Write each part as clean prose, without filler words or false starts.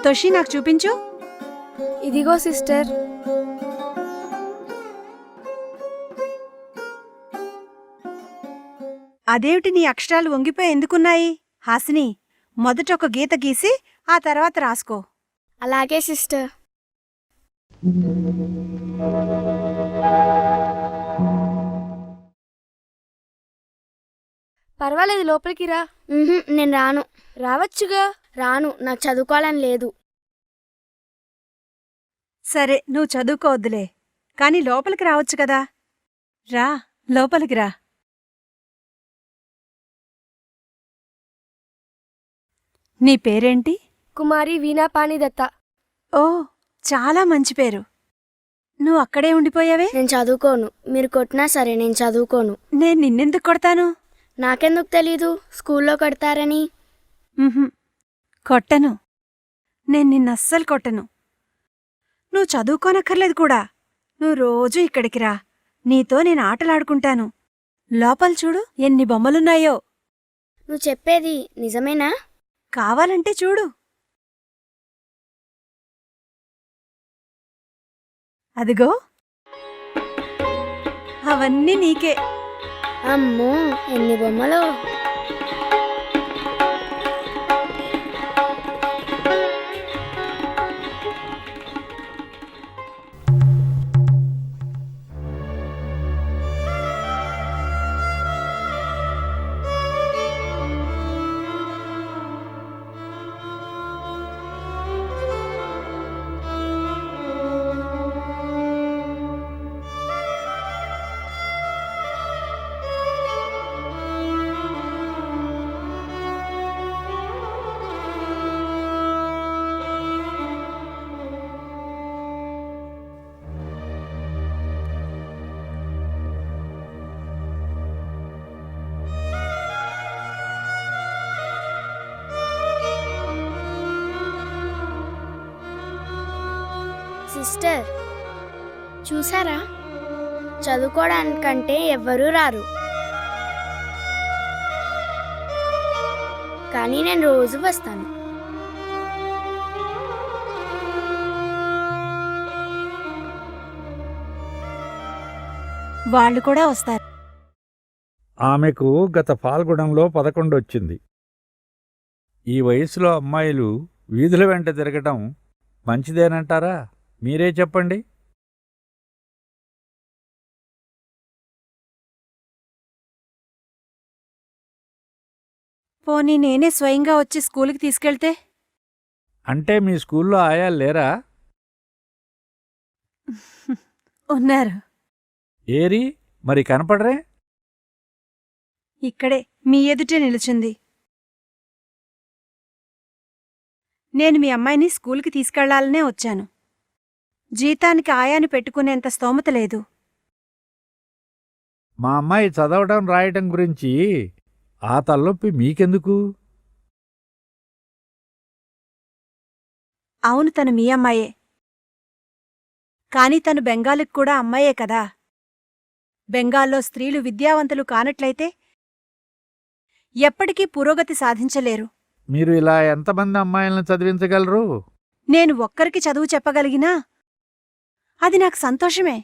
సంతోషి నాకు చూపించు. ఇదిగో సిస్టర్. అదేమిటి నీ అక్షరాలు వంగిపోయి ఎందుకున్నాయి? హాసిని, మొదట ఒక గీత గీసి ఆ తర్వాత రాసుకో. అలాగే సిస్టర్. పర్వాలేదు, లోపలికి రా. నేను రాను. రావచ్చుగా. రాను, నాకు చదువుకోవాలని లేదు. సరే, నువ్వు చదువుకోవద్దులే, కాని లోపలికి రావచ్చు కదా. రా, లోపలికి రా. నీ పేరేంటి? కుమారి వీణా పాణిదత్త. ఓ, చాలా మంచి పేరు. నువ్వు అక్కడే ఉండిపోయావే? నేను చదువుకోను. మీరు కొట్టినా సరే నేను చదువుకోను. నేను నిన్నెందుకు కొడతాను? నాకెందుకు తెలీదు స్కూల్లో కొడతారని. కొట్టను. నేను నిన్నస్సలు కొట్టను. నువ్వు చదువుకోనక్కర్లేదు కూడా. నువ్వు రోజూ ఇక్కడికి రా, నీతో నేను ఆటలాడుకుంటాను. లోపల చూడు ఎన్ని బొమ్మలున్నాయో. నువ్వు చెప్పేది నిజమేనా? కావాలంటే చూడు. అదిగో, అవన్నీ నీకే. అమ్మో, ఎన్ని బొమ్మలు! సిస్టర్, చూసారా? చదువుకోవడానికంటే ఎవ్వరూ రారు, కానీ నేను రోజు వస్తాను. వాళ్ళు కూడా వస్తారు. ఆమెకు గత ఫాల్గుణంలో 11 వచ్చింది. ఈ వయసులో అమ్మాయిలు వీధుల వెంట తిరగటం మంచిదేనంటారా? మీరే చెప్పండి. పోనీ నేనే స్వయంగా వచ్చి స్కూలుకి తీసుకెళ్తే? అంటే మీ స్కూల్లో ఆయాలు లేరా? ఉన్నారు. ఏరి మరి కనపడరే? ఇక్కడే మీ ఎదుటే నిలుచుంది. నేను మీ అమ్మాయిని స్కూలుకి తీసుకెళ్లాలనే వచ్చాను. జీతానికి ఆయాని పెట్టుకునేంత స్తోమత లేదు. మా అమ్మాయి చదవడం రాయటం గురించి ఆ తలనొప్పి మీకెందుకు? అవును, తను మీ అమ్మాయే. కాని తను బెంగాలుకి కూడా అమ్మాయే కదా. బెంగాల్లో స్త్రీలు విద్యావంతులు కానట్లయితే ఎప్పటికీ పురోగతి సాధించలేరు. మీరు ఇలా ఎంతమంది అమ్మాయిలను చదివించగలరు? నేను ఒక్కరికి చదువు చెప్పగలిగినా అది నాకు సంతోషమే.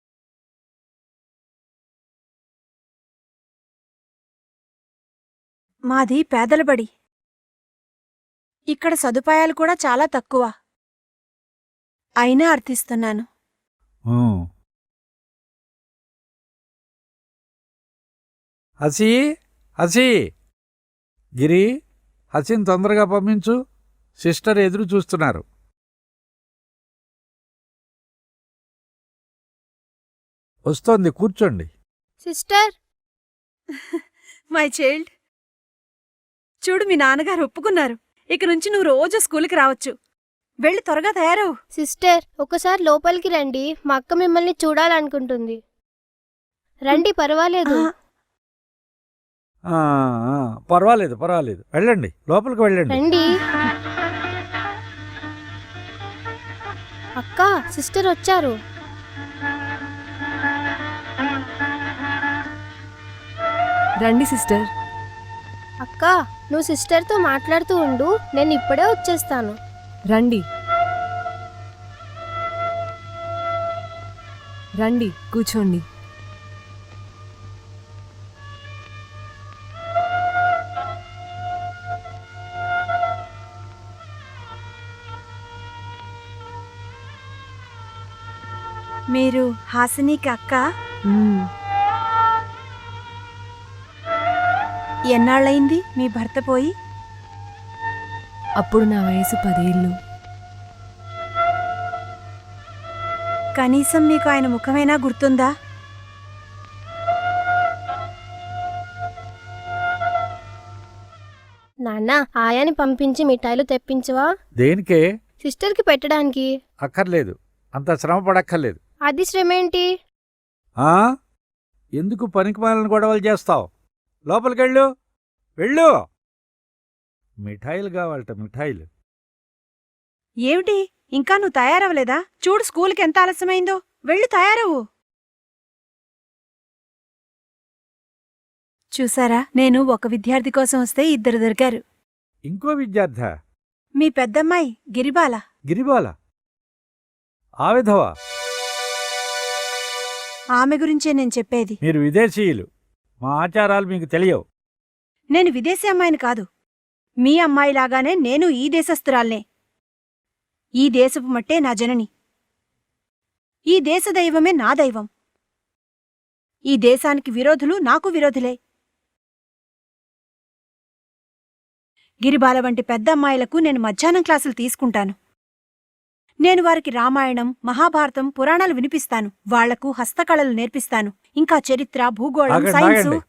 మాది పేదలబడి. ఇక్కడ సదుపాయాలు కూడా చాలా తక్కువ. అయినా అర్థిస్తున్నాను. హసీ, హసీ, గిరి, హసీని తొందరగా పంపించు. సిస్టర్ ఎదురు చూస్తున్నారు. వస్తోంది, కూర్చోండి. సిస్టర్. మై చైల్డ్, చూడు మీ నాన్నగారు ఒప్పుకున్నారు. ఇక నుంచి నువ్వు రోజు స్కూలుకి రావచ్చు. వెళ్ళి త్వరగా తయారవు. సిస్టర్, ఒకసారి లోపలికి రండి. మా అక్క మిమ్మల్ని చూడాలనుకుంటుంది. రండి, పర్వాలేదు. పర్వాలేదు, పర్వాలేదు. వెళ్ళండి, లోపలికి వెళ్ళండి. రండి. అక్క, సిస్టర్ వచ్చారు. రండి సిస్టర్. అక్క, నువ్వు సిస్టర్తో మాట్లాడుతూ ఉండు, నేను ఇప్పుడే వచ్చేస్తాను. రండి రండి కూర్చోండి. మీరు హాసినికి అక్క? మ్మ్. ఎన్నాళ్ళయింది మీ భర్త పోయి? అప్పుడు నా వయసు 10 ఏళ్ళు. కనీసం మీకు ఆయన ముఖమైనా గుర్తుందా? నాన్న ఆయాని పంపించి మిఠాయిలు తెప్పించవా? దేనికే? సిస్టర్కి పెట్టడానికి. అక్కర్లేదు, అంత శ్రమ పడక్కర్లేదు. అది శ్రమేంటి? ఆ? ఎందుకు పనికిమాలిన గొడవలు చేస్తావు? లోపలికెళ్ళు, వెళ్ళు. మిఠాయిలు కావాలట, మిఠాయిలు. ఏమిటి, ఇంకా నువ్వు తయారవలేదా? చూడు స్కూల్కి ఎంత ఆలస్యమైందో. వెళ్ళి తయారవు. చూసారా, నేను ఒక విద్యార్థి కోసం వస్తే 2 దొరికారు. ఇంకో విద్యార్థి? మీ పెద్దమ్మాయి గిరిబాల. గిరిబాల? ఆ విధవా? ఆమె గురించే నేను చెప్పేది. మీరు విదేశీయులు, మా ఆచారాలు మీకు తెలియవు. నేను విదేశీ అమ్మాయిని కాదు. మీ అమ్మాయిలాగానే నేను ఈ దేశస్థురాల్నే. ఈ దేశపు మట్టే నా జనని. ఈ దేశ దైవమే నా దైవం. ఈ దేశానికి విరోధులు నాకు విరోధులే. గిరిబాల వంటి పెద్ద అమ్మాయిలకు నేను మధ్యాహ్నం క్లాసులు తీసుకుంటాను. నేను వారికి రామాయణం, మహాభారతం, పురాణాలు వినిపిస్తాను. వాళ్లకు హస్తకళలు నేర్పిస్తాను. ఇంకా చరిత్ర, భూగోళం, ఆగండి, సైన్సు. ఆగండి.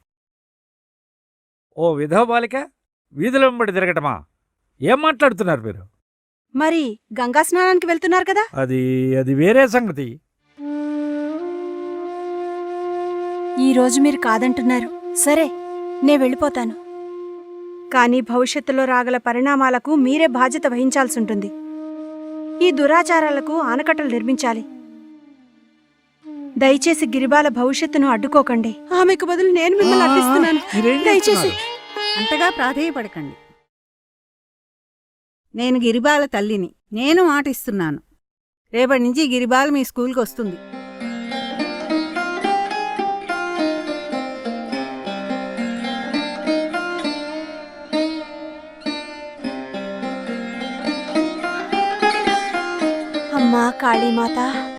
ఓ విధవ బాలిక వీధిలో వెంబడి తిరగటమా? ఏం మాట్లాడుతున్నారు మీరు? మరి గంగా స్నానానికి వెళ్తున్నారు కదా? అది వేరే సంగతి. ఈరోజు మీరు కాదంటున్నారు. సరే, నే వెళ్ళిపోతాను. కానీ భవిష్యత్తులో రాగల పరిణామాలకు మీరే బాధ్యత వహించాల్సుంటుంది. ఈ దురాచారాలకు ఆనకట్టలు నిర్మించాలి. దయచేసి గిరిబాల భవిష్యత్తును అడ్డుకోకండి. ఆమెకు బదులు నేను మిమ్మల్ని అడ్డిస్తున్నాను. మీరేం దయచేసి. చేస్తున్నారు? అంతగా ప్రాధేయపడకండి. నేను గిరిబాల తల్లిని. నేను మాటిస్తున్నాను, రేపటి నుంచి గిరిబాల మీ స్కూల్కి వస్తుంది. అమ్మా కాళీమాత,